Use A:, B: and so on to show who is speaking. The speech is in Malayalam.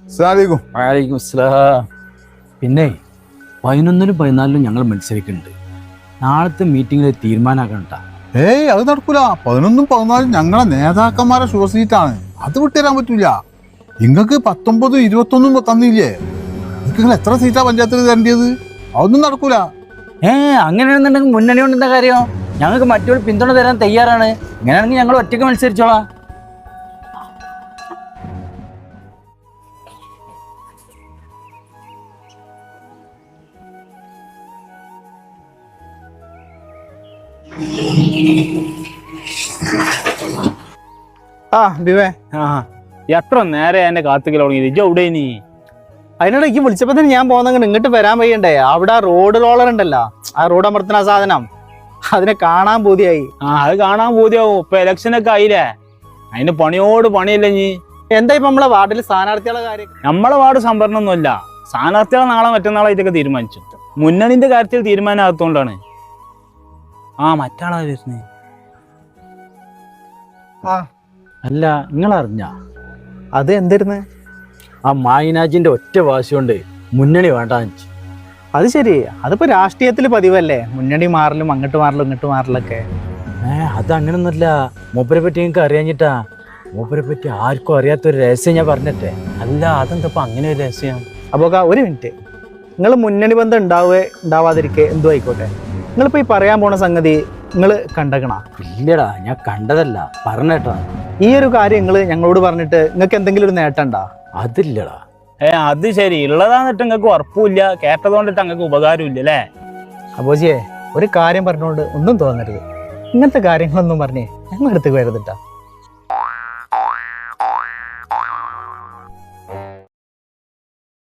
A: വലൈക്കും അസ്സലാം. പിന്നെ 11-നും 14-നും ഞങ്ങൾ മത്സരിക്കുന്നുണ്ട്. നാളത്തെ മീറ്റിങ്ങിൽ തീരുമാനമാക്കണ്ട.
B: ഏയ് അത് നടക്കൂല. 11-നും 14-നും ഞങ്ങളെ നേതാക്കന്മാരെ ഷോസീറ്റാണ്. അത് വിട്ടുതരാൻ പറ്റൂല. നിങ്ങൾക്ക് 19-ഉം 21-നും തന്നില്ലേ? നിങ്ങൾ എത്ര സീറ്റാ പഞ്ചായത്തിൽ തരേണ്ടത്? അതൊന്നും നടക്കൂല.
A: അങ്ങനെയാണെന്നുണ്ടെങ്കിൽ മുന്നണി കൊണ്ട് എന്താ കാര്യം? ഞങ്ങൾക്ക് മറ്റൊരു പിന്തുണ തരാൻ തയ്യാറാണ്. ഇങ്ങനെയാണെങ്കിൽ ഞങ്ങൾ ഒറ്റയ്ക്ക് മത്സരിച്ചോളാം.
C: ബിവേ
D: എത്ര നേരെ എന്നെ കാത്തുക്കൽ തുടങ്ങി എവിടെ നീ?
C: അതിനോട് എനിക്ക് വിളിച്ചപ്പോ തന്നെ ഞാൻ പോകുന്ന ഇങ്ങോട്ട് വരാൻ വയ്യണ്ടേ. അവിടെ റോഡ് റോളർ ഉണ്ടല്ലോ, ആ റോഡ് അമർത്തുന്ന സാധനം, അതിനെ കാണാൻ പൂതിയായി.
D: അത് കാണാൻ പൂതിയാവും. ഇപ്പൊ ഇലക്ഷനൊക്കെ ആയില്ലേ, അതിന് പണിയോട് പണിയല്ലേ നീ?
C: എന്താ ഇപ്പൊ നമ്മളെ വാർഡിൽ സ്ഥാനാർത്ഥികളുടെ കാര്യം?
D: നമ്മളെ വാർഡ് സംഭരണമൊന്നുമല്ല, സ്ഥാനാർത്ഥികളെ നാളെ മറ്റന്നാളായിട്ടൊക്കെ തീരുമാനിച്ചു. മുന്നണിന്റെ കാര്യത്തിൽ തീരുമാനമാകത്തോണ്ടാണ്. മറ്റാളാ വരുന്നേ.
A: അല്ല, നിങ്ങളറിഞ്ഞ
C: അത് എന്തായിരുന്നു?
A: ആ മായിനാജിന്റെ ഒറ്റ വാശി കൊണ്ട് മുന്നണി വേണ്ടാന്ന് വെച്ചു.
C: അത് ശരി, അതിപ്പോ രാഷ്ട്രീയത്തിൽ പതിവല്ലേ, മുന്നണി മാറലും അങ്ങോട്ട് മാറലും ഇങ്ങോട്ട് മാറലൊക്കെ.
A: അത് അങ്ങനൊന്നുമല്ല. മൂപ്പരെ പറ്റി നിങ്ങൾക്ക് അറിയാഞ്ഞിട്ടാ. മൂപ്പരെ പറ്റി ആർക്കും അറിയാത്തൊരു രഹസ്യം ഞാൻ പറഞ്ഞിട്ടെ.
D: അല്ല, അതെന്തപ്പോ അങ്ങനെ ഒരു രഹസ്യം?
C: അപ്പൊ ഒരു മിനിറ്റ്, നിങ്ങൾ മുന്നണി ബന്ധം ഉണ്ടാവാതിരിക്കെ എന്തോ ആയിക്കോട്ടെ, നിങ്ങളിപ്പോ ഈ പറയാൻ പോണ സംഗതി നിങ്ങൾ കണ്ടക്കണ?
A: ഇല്ലടാ, ഞാൻ കണ്ടതല്ല, പറഞ്ഞേട്ടാ.
C: ഈ ഒരു കാര്യം നിങ്ങൾ ഞങ്ങളോട് പറഞ്ഞിട്ട് നിങ്ങൾക്ക് എന്തെങ്കിലും ഒരു നേട്ടം ഉണ്ടാ?
A: അതില്ലടാ.
D: അത് ശരി, ഉള്ളതാന്നിട്ട് നിങ്ങൾക്ക് ഉറപ്പില്ല, കേട്ടതുകൊണ്ടിട്ട് നിങ്ങൾക്ക് ഉപകാരം ഇല്ല അല്ലേ?
C: അപ്പോജിയെ, ഒരു കാര്യം പറഞ്ഞുകൊണ്ട് ഒന്നും തോന്നരുത്. ഇങ്ങനത്തെ കാര്യങ്ങളൊന്നും പറഞ്ഞേ ഞങ്ങളുടെ അടുത്തേക്ക് വരുന്നിട്ടാ.